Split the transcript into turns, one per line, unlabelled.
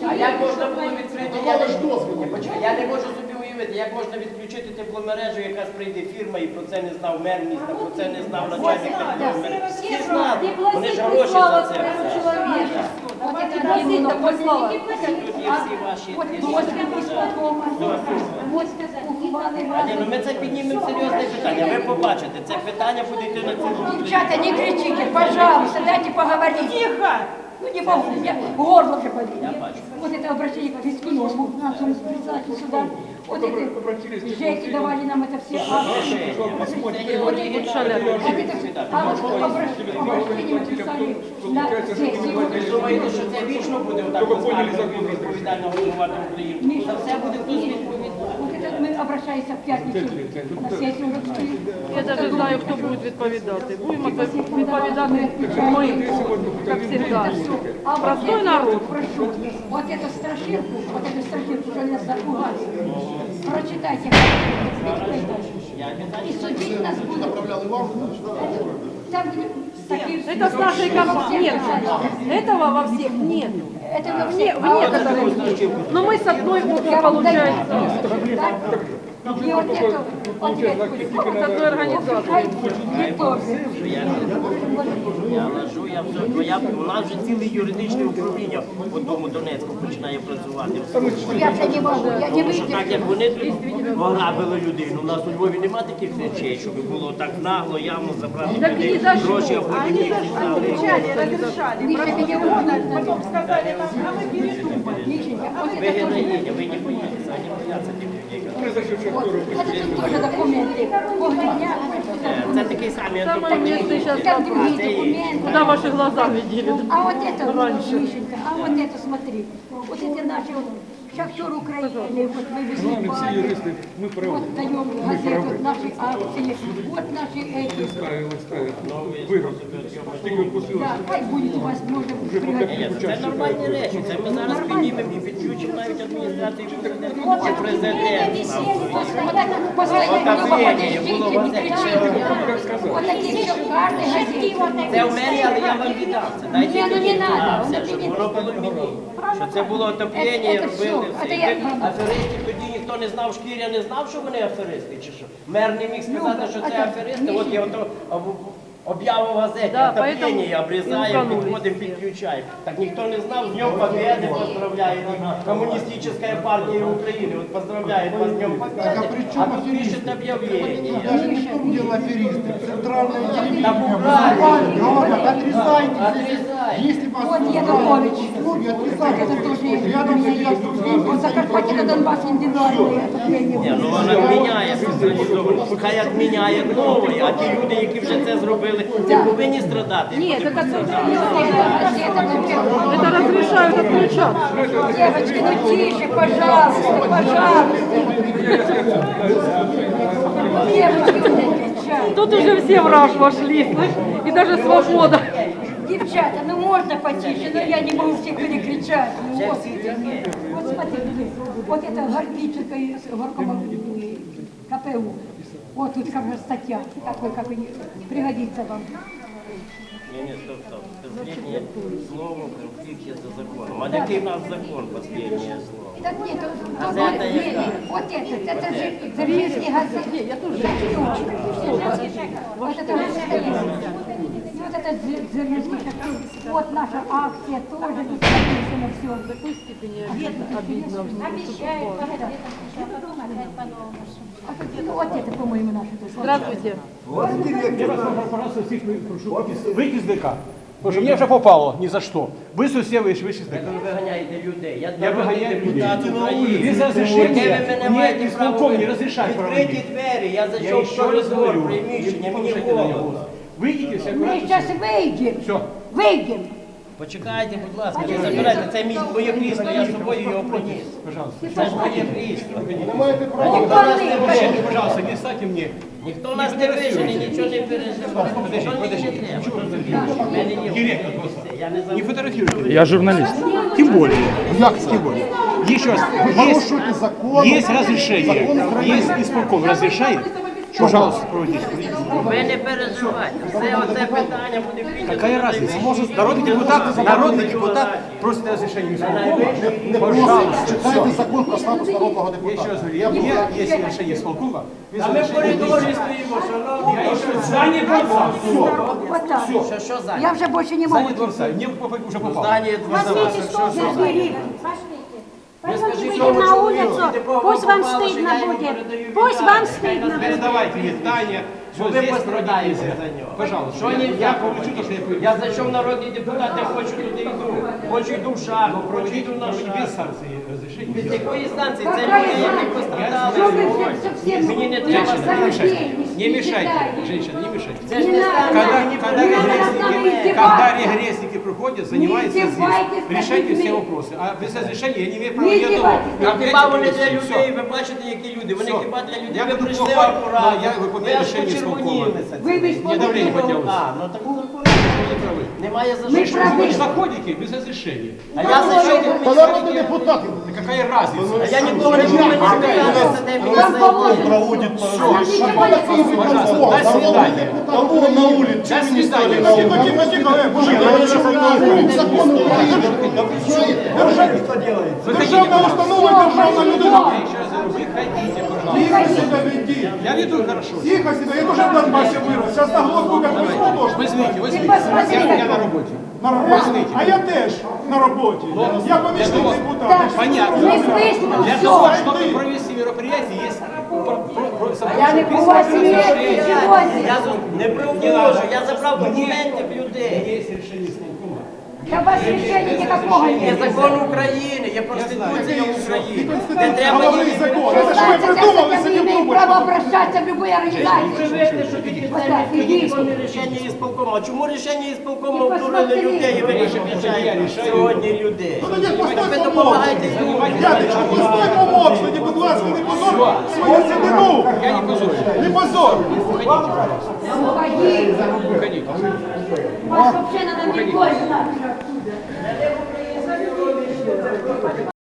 А як можна було відкрити? Я не можу собі уявити, як можна відключити тепломережу, якась прийде фірма і про це не знав мер міста, про це не знав начальник тепломережі. Всі знали, вони ж гроші за це.
Вот это разина послала.
Тут є всі ваші. Ми це піднімемо серйозне питання. Ви побачите, це питання буде йти на цілу.
Девчата, не кричите, пожалуйста, дайте поговорить. Тихо! Ну не могу, у меня горло уже болит. Вот это обращение к Фискинову, к нашему председателю суда. Вот эти жеки давали нам это все акции. Вот это обращение мы писали на сессию.
Ви думаєте, що це вічно буде отак відповідально головувати Україну? За все буде хтось відповідати.
Вот это мы обращаемся в пятницу на сессию.
Я даже знаю, хто буде відповідати. Будемо відповідати ми, як завжди. Простой народ.
Прошу, вот эту страшилку, что нас запугали. Прочитайте, и судить нас будут. Там такие...
Это с нашей компании. Нет, этого во всех нет.
Это во
В
всех.
некоторых. Но мы с одной опции получается.
И вот эту,
С одной организации.
Я лажу, у нас вже ціле юридичне управління в одному Донецьку починає працювати.
я все не могу, я не
Тому що так,
выйду.
як вони тут ограбили людину, у нас у Львові немає таких речей, щоб було так нагло, явно забрати людей гроші, а потім їх віддали.
Миша, меня потом сказали, а мы передумали. Мишенька, вот
Ви
это тоже.
героїня, ви не боїтеся, вони бояться тих людей.
Вот, это тут тоже документы. Погребня.
Це такий самий
Самое место сейчас
Там другие
це є.
документы.
Куда ваши глаза видели?
А вот это, Мишенька, а вот это смотри. Вот это наши шахтер Украины, вот вывезли парни. Вот даем газету, наши акции, вот наши эти. Да, хай будет у вас, может,
Ні,
пригодиться.
це нормальні речі. Це ми зараз піднімемо і підключимо навіть адміністрацію президента. Чи президент нам
Постоянно,
було
подождите, не кричите. Вот такие все карты, газеты.
Це в мене, але я вам віддам. Це дайте
Ні, ну не
мені.
надо,
А,
воно
все,
тобі
щоб
не
воно було мені. Що це було отоплення,
Це
робили
все.
все.
Це я-
Аферистів тоді ніхто не знав, Шкіря не знав, що вони аферисти, чи що? Мер не міг сказати, що це аферисти. От я ото об'яву в газеті,
Да,
отоплення,
поэтому
обрізаємо,
и
підходимо, підключаємо. Так ніхто не знав, з Днем Побєди поздравляє Комуністична партія України. От поздравляє вас з Днем Побєди, а тут пишуть об'явлення.
Дело аферисты. Центральное
Так
телевидение.
правильно.
Говорят, отрезайте.
Отрезай.
Если вас
Вот Янукович.
отрезайте.
Это тоже рядом стоят. Вот Закарпатье на Донбасс индивидуальное отопление.
Ні, ну вона відміняє спеціалізовано. Хай відміняє новий, а ті люди, які вже це зробили, не повинні страдати.
Нет, это
Это
это разрешают отключаться.
девочки, ну тише, пожалуйста, пожалуйста. Девочки, вот эти кричат.
Тут уже все в раж вошли, слышь, и даже свобода.
Девчата, ну можно потише, но я не могу всех перекричать. Ну, вот смотрите, вот это Гордиченко из горкома КПУ. Вот тут как раз статья, какой пригодится вам.
Ні, стоп. Последнє слово в конфлікті за законом. А який в нас закон, последнє слово?
Так нет,
Газета
нет,
яка?
вот это же Заржинский газет.
Я тоже.
Вот это вот это Заржинский газет. Вот наша акция тоже тут написано все.
В такой степени обидно.
Вот это, по-моему, наше тут.
Здравствуйте.
Я вас пожалуйста, всіх прошу вийти з ДК. Тому що мені вже попало ні за що. Ви всі вийшли з ДК.
Ви виганяєте людей. Я
Я
народний
виганяю людей.
депутат України.
Без розрішення.
Яке ви мене
Ні,
маєте
ісполком
право
не розрішає
відкриті
проводити.
двері, я
Я
зайшов в
ще раз
коридор,
говорю.
приміщення, мені
Слушайте на
холодно.
нього. Вийдіть всі
Мы
акуратно.
сейчас выйдем.
Все.
Выйдем.
Почекайте, будь ласка, не забирайте, це моє крісло, я з собою його приніс.
Пожалуйста.
Це ж моє крісло.
Маєте право.
Ніхто нас не вижене,
Пожалуйста, не ставьте мне.
ніхто нас не вижене, нічого не переживає. Що мені не треба? В мене є
Директор
все, я не
Не
забуду.
фотографируйте. Я журналист. Тем более. Тем более. Еще раз.
Нарушуєте закон.
Есть разрешение. Есть исполком разрешает. Пожалуйста, проводите.
Ви не переживайте. Все оце питання буде піднято.
Какая разница? Может, народный депутат просит разрешения исполкома?
Не
Пожалуйста.
читайте закон про статус народного
Я еще
депутата.
раз говорю, есть решение исполкома. без
А ми в
разрешения
коридорі стоїмо, шановні.
Здание дворца.
Вот так.
Що за?
Я уже больше не могу.
Здание дворца. Мне уже попало.
Здання дворца.
Пойдемте выйдем на улицу, пусть вам стыдно будет, пусть вам стыдно будет.
Передавайте мне здание, что
Ви
здесь проводить
пострадаєте
нельзя.
за нього.
Пожалуйста.
Що нельзя?
Я получу то, что я получу.
Я зайшов народний депутат, я хочу туди йду. Хочу йду в шагу, хочу
Проводить
йду на
без
шаг.
санкций разрешения.
Від якої станції? Це
Какая
люди, які
разница?
пострадали.
Что вы все совсем
Мені не треба
Женщина, не
знати.
мешайте. Не мешайте. Женщина, не мешайте.
Це ж не станція.
Когда регресники приходят, занимаются
Не
здесь,
издевайтесь над
решайте все
людьми.
вопросы. А без разрешения я не имею права
Не
ни одного.
издевайтесь.
А хіба вони для
Все.
людей, ви бачите, які люди? Вони
Все.
хіба для людей?
Я
Ви
буду
прийшли
плохой,
акуратно.
но я выполняю
Ви аж
решение
почервонілися.
Вы без
Мне давление поднялось.
А, ну так
Не правы.
немає за
Ми
що.
праві.
Вы же заходите без разрешения.
А я зайшов до
Та народний депутат.
Да какая разница?
А я нікого не буду мені цікавитися, де мені
Вам
зайти.
положено.
Проводит
Нам ничего не положено.
Пожалуйста, до свидания.
Там было на улице.
До свидания.
Тихо, тихо, тихо, мужик, закон України. Державна установа, державна людина.
Я еще раз говорю, выходите, пожалуйста.
Тихо себя веди.
Я веду хорошо.
Тихо себя, я тоже в Донбассе вырос. Сейчас на глотку как вы тоже.
Возьмите, возьмите.
посмотри,
Я
как
на
он.
работе.
На работе. А я теж на роботі. Я помічник депутата.
Понятно.
Не слышно
Для
все.
того, чтобы провести мероприятие, есть
Я не поважаю ничего.
Я не привожу, я забрав документів людей.
Есть решение исполкома.
Да у вас решения никакого
Є
нет.
закон України, є Конституція України. Не треба
Головний
ні.
закон. Это ж ви придумали,
Я не
сидим
имею
думаете.
права обращаться в любые организации.
Привезли, що тільки
Вот
це
так, идите.
законне рішення ісполкому. А чому рішення ісполкому
І
обдурили
посмотри.
людей і ви не обіцяєте сьогодні людей?
Ну тоді постой
Ви
помовчи.
допомагаєте людям.
Дядечко, постой помовчи. Тоді, будь ласка, не позор свою седину.
Я не позорю.
Не позор.
Уходи.
Выходите.
Вас вообще надо не больно.